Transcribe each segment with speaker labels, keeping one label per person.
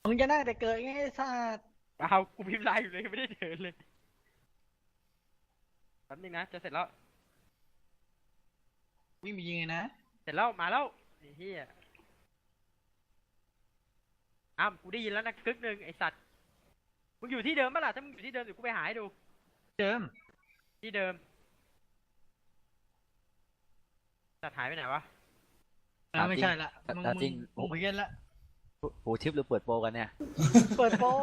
Speaker 1: มึงจะนั่งแต่เกิดไงไอ้สัส
Speaker 2: เอากูพิมพ์ไลน์อยู่เลยไม่ได้เดินเลยแป๊บนึงนะจะเสร็จแล้ว
Speaker 1: วิ่งไปยิงไงนะ
Speaker 2: เสร็จแล้วมาแล้วไอ้เหี้ยอ้าวกูได้ยินแล้วนะกึกหนึ่งไอ้สัตว์มึงอยู่ที่เดิมปะล่ะถ้ามึงอยู่ที่เดิมเดี๋ยวกูไปหาให้ดู
Speaker 1: เดิม
Speaker 2: ที่เดิมสัตว์หายไปไหนวะ
Speaker 1: ไม่ใช่ละมึง
Speaker 3: ตามจริง
Speaker 1: มึงเพี้ยนละ
Speaker 3: หูทิปหรือเปิดโปรกันเนี่ย
Speaker 1: เปิดโปร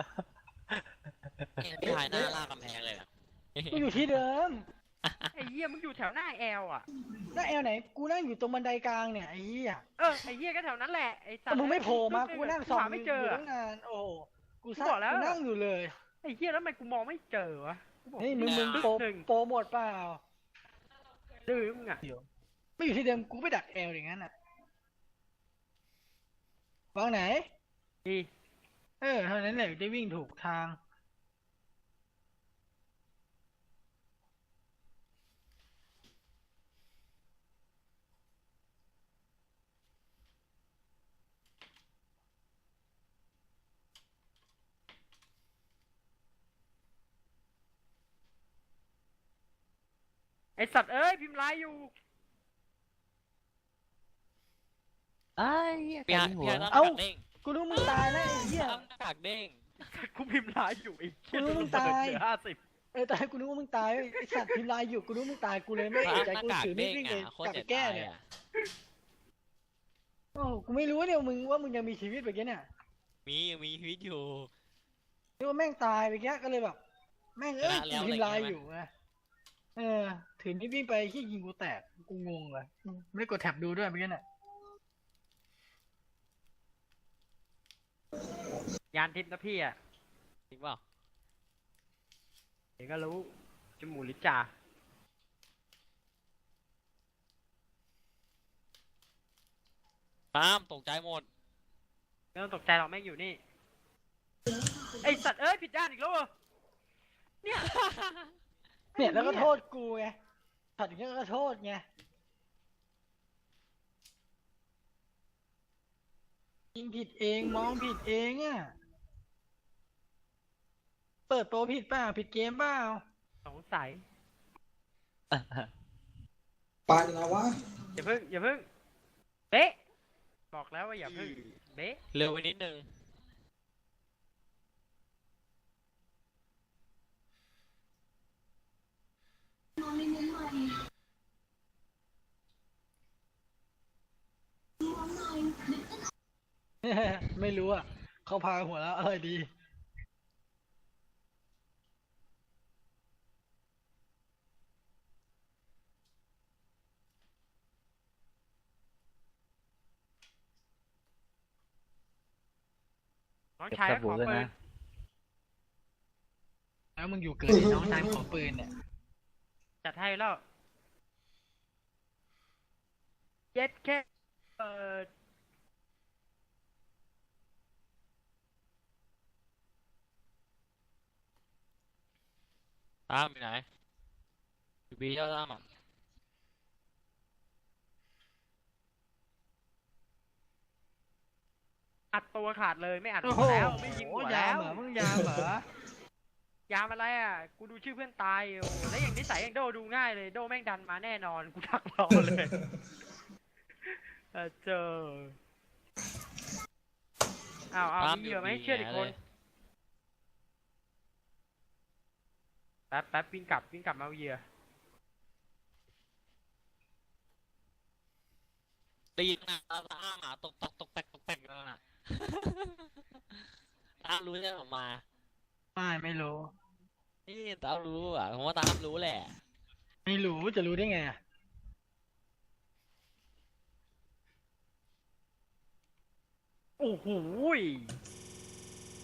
Speaker 4: พี่ชายหน้าลากกำแพงเลยอะ
Speaker 1: กูอยู่ที่เดิม
Speaker 2: ไอ้เหี้ยมึงอยู่แถวหน้าแอลอ่ะ
Speaker 1: หน้าแอลไหนกูนั่งอยู่ตรงบันไดกลางเนี่ยไอ้เหี้ย
Speaker 2: ไอ้เหี้ยก็แถวนั้นแหละไอ้สัตว์
Speaker 1: แต่มึงไม่โผล่มากูนั่งส่อง
Speaker 2: หาไม่เจอ
Speaker 1: ตั้งนานโอ้โหกูซั
Speaker 2: บอกแล้ว
Speaker 1: กูนั่งอยู่เลย
Speaker 2: ไอ้เหี้ยแล้วทำไมกูมองไม่เจอวะกูบอก
Speaker 1: นี่มึง
Speaker 2: กึก
Speaker 1: โปร
Speaker 2: หนึ่ง
Speaker 1: โปรหมดเปล่า
Speaker 2: ดื้อมึงอ่ะ
Speaker 1: เดี๋ยวไม่อยู่ที่เดิมกูไปดักแอลอย่างนั้นอ่ะวางไหน
Speaker 2: ดี
Speaker 1: เท่านั้นแหละได้วิ่งถูกทาง
Speaker 2: ไอ้สัตว์เอ้ยพิมพ์ไลน์อยู่
Speaker 3: ไอ้เหี้ย
Speaker 4: พี่ชาย
Speaker 3: หัว
Speaker 4: พี่ชายหน้า
Speaker 1: เอ้า
Speaker 4: กากเด้ง
Speaker 1: กูรู้มึงตายแล้วไอ้เหี้ย
Speaker 4: หน้ากากเด้ง
Speaker 2: กูพิมพ์ไลน์อยู่ไอ้เหี้ย
Speaker 1: กูรู้
Speaker 2: ดู
Speaker 1: มึง
Speaker 2: เปิ
Speaker 1: ตาย
Speaker 2: ดเหลือ50
Speaker 1: ตายกูนึกว่ามึงตายไอ้สัตว์พิมพ์ไลน์อยู่กูนึกว่ามึงตายกูเลยไม่เอะใจ
Speaker 4: หน้า
Speaker 1: กู
Speaker 4: กาก
Speaker 1: ถือมี
Speaker 4: เด้
Speaker 1: ด
Speaker 4: ง
Speaker 1: วิ่งเลย
Speaker 4: อ่ะโค
Speaker 1: ก
Speaker 4: ต
Speaker 1: ลับ
Speaker 4: ร
Speaker 1: ไป
Speaker 4: จะ
Speaker 1: แก้
Speaker 4: ตาย
Speaker 1: เนี่ย
Speaker 4: อ่ะ
Speaker 1: โอ้กูไม่รู้เนี่ยมึงว่ามึงยังมีชีวิตแบบนี้เนี่ย
Speaker 4: มีชีวิตอยู่
Speaker 1: นึกว่าแม่งตายไปแก้ก็เลยแบบแม่ง
Speaker 4: ชนะ
Speaker 1: กู
Speaker 4: แล้ว
Speaker 1: พิมพ์ไลน์
Speaker 4: อะไร
Speaker 1: อ
Speaker 4: เงี้ย
Speaker 1: ยู่ไงถือมีดวิ่งไปขี้ยิงกูแตกกูงงเลยไม่กดแท็บดูด้วยเมื่อกี้น่ะ
Speaker 2: ยานทิพย์นะพี่อ่ะ
Speaker 4: จริงเปล่า
Speaker 2: เดี๋ยวก็รู้จมูกลิจ่า
Speaker 4: ตามตกใจหมด
Speaker 2: ไม่ต้องตกใจหรอกแม่งอยู่นี่ไอสัตว์เอ้ยผิดด้านอีกแล้วเหรอเนี่ย
Speaker 1: เนี่ยแล้วก็โทษกูไงถัดอย่างนี้ก็โทษไงยิงผิดเองมองผิดเองอ่ะเปิดโปรผิดเปล่าผิดเกมเปล่า
Speaker 2: สงสัย
Speaker 5: ปาดยังไงวะ
Speaker 2: อย่าเพิ่งเบ๊ะบอกแล้วว่าอย่าเพิ่งเบ๊ะ
Speaker 4: เร็วไปนิดนึง
Speaker 1: ไม่รู้อ่ะเขาพาหัวแล้วอะไรดี
Speaker 2: น้อง
Speaker 3: เก็บ
Speaker 2: ชาย
Speaker 3: ส
Speaker 2: ก็ข
Speaker 3: บู่
Speaker 2: อ
Speaker 3: ด้วย
Speaker 2: ปืน
Speaker 3: นะ
Speaker 1: แล้วมึงอยู่เกิดไอ้น้องชายขอปืนเนี่ย
Speaker 2: จัดให้แล้วเย็ดแค่เอ่อ
Speaker 4: ตามอยู่ไหนอยู่บีเจ้าตามอ่ะ
Speaker 2: อัดตัวขาดเลยไม่อัด
Speaker 1: โอ้
Speaker 2: หั
Speaker 1: โห
Speaker 2: วแล้วไม่ยิงหัวย
Speaker 1: า
Speaker 2: แล้ว
Speaker 1: มเหรอมึงยามเหรอย
Speaker 2: ามอะไรอ่ะกูดูชื่อเพื่อนตายโอ้โหแล้วอย่างนิสัยอย่างโดดูง่ายเลยโดแม่งดันมาแน่นอนกูดักรอเลยเจอเอามีเหยื่อไหมเชื่ออีกคนแป๊บวิ่งกลับมาเอาเหยื่อ
Speaker 4: ตีหน้าตามอ่ะตกแตกแล้วน่ะตามรู้ใช่ไหมออกมา
Speaker 1: ไม่รู้
Speaker 4: นี่ตามรู้อ่ะผมว่าตามรู้แหละ
Speaker 1: ไม่รู้จะรู้ได้ไงอ่ะ
Speaker 2: โอ้โห